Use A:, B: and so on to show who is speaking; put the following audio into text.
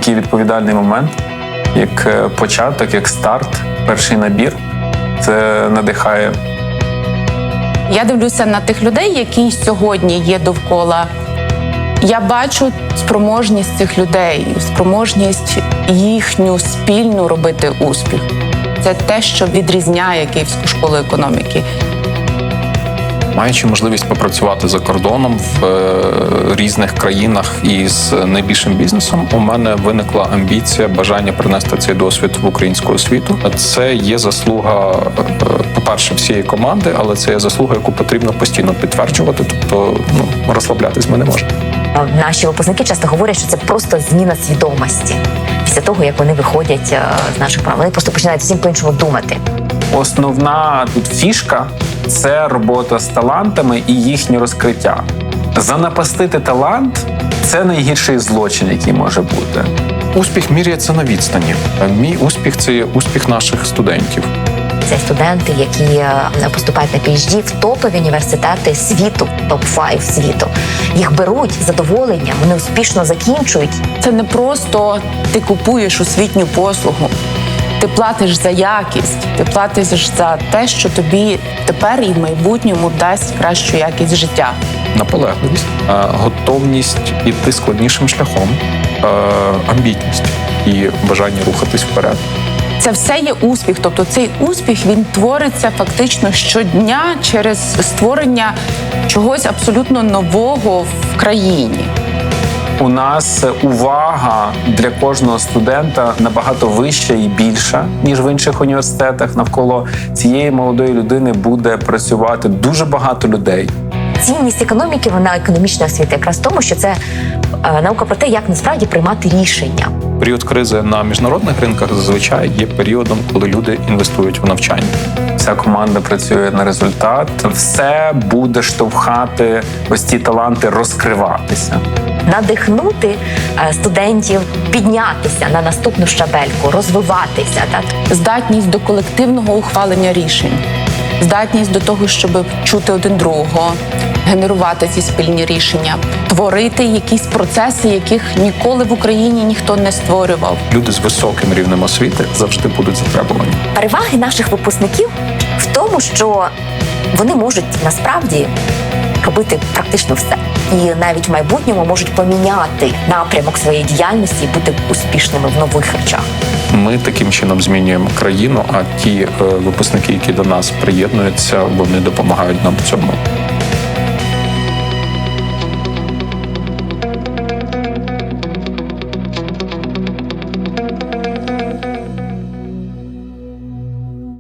A: такий відповідальний момент, як початок, як старт, перший набір. Це надихає.
B: Я дивлюся на тих людей, які сьогодні є довкола. Я бачу спроможність цих людей, спроможність їхню спільну робити успіх. Це те, що відрізняє Київську школу економіки.
C: Маючи можливість попрацювати за кордоном в різних країнах із найбільшим бізнесом, у мене виникла амбіція, бажання принести цей досвід в українську освіту. Це є заслуга, по-перше, всієї команди, але це є заслуга, яку потрібно постійно підтверджувати, тобто розслаблятись ми не можемо.
D: Наші випускники часто говорять, що це просто зміна свідомості. Після того, як вони виходять з наших програм, вони просто починають зовсім по-іншому думати.
A: Основна тут фішка – це робота з талантами і їхнє розкриття. Занапастити талант – це найгірший злочин, який може бути.
C: Успіх міряється на відстані. Мій успіх – це є успіх наших студентів.
D: Це студенти, які поступають на PhD в топові університети світу, топ-5 світу. Їх беруть з задоволенням, вони успішно закінчують.
B: Це не просто ти купуєш освітню послугу. Ти платиш за якість, ти платиш за те, що тобі тепер і в майбутньому дасть кращу якість життя.
C: Наполегливість, готовність іти складнішим шляхом, амбітність і бажання рухатись вперед.
B: Це все є успіх. Тобто цей успіх, він твориться фактично щодня через створення чогось абсолютно нового в країні.
A: У нас увага для кожного студента набагато вища і більша, ніж в інших університетах. Навколо цієї молодої людини буде працювати дуже багато людей.
D: Цінність економіки, вона економічної освіти, якраз в тому, що це наука про те, як насправді приймати рішення.
C: Період кризи на міжнародних ринках зазвичай є періодом, коли люди інвестують в навчання.
A: Вся команда працює на результат. Все буде штовхати ось ці таланти розкриватися.
D: Надихнути студентів піднятися на наступну щабельку, розвиватися. Так?
B: Здатність до колективного ухвалення рішень, здатність до того, щоб чути один другого, генерувати ці спільні рішення, творити якісь процеси, яких ніколи в Україні ніхто не створював.
C: Люди з високим рівнем освіти завжди будуть затребувані.
D: Переваги наших випускників в тому, що вони можуть насправді робити практично все. І навіть в майбутньому можуть поміняти напрямок своєї діяльності і бути успішними в нових речах.
C: Ми таким чином змінюємо країну, а ті випускники, які до нас приєднуються, вони допомагають нам в цьому.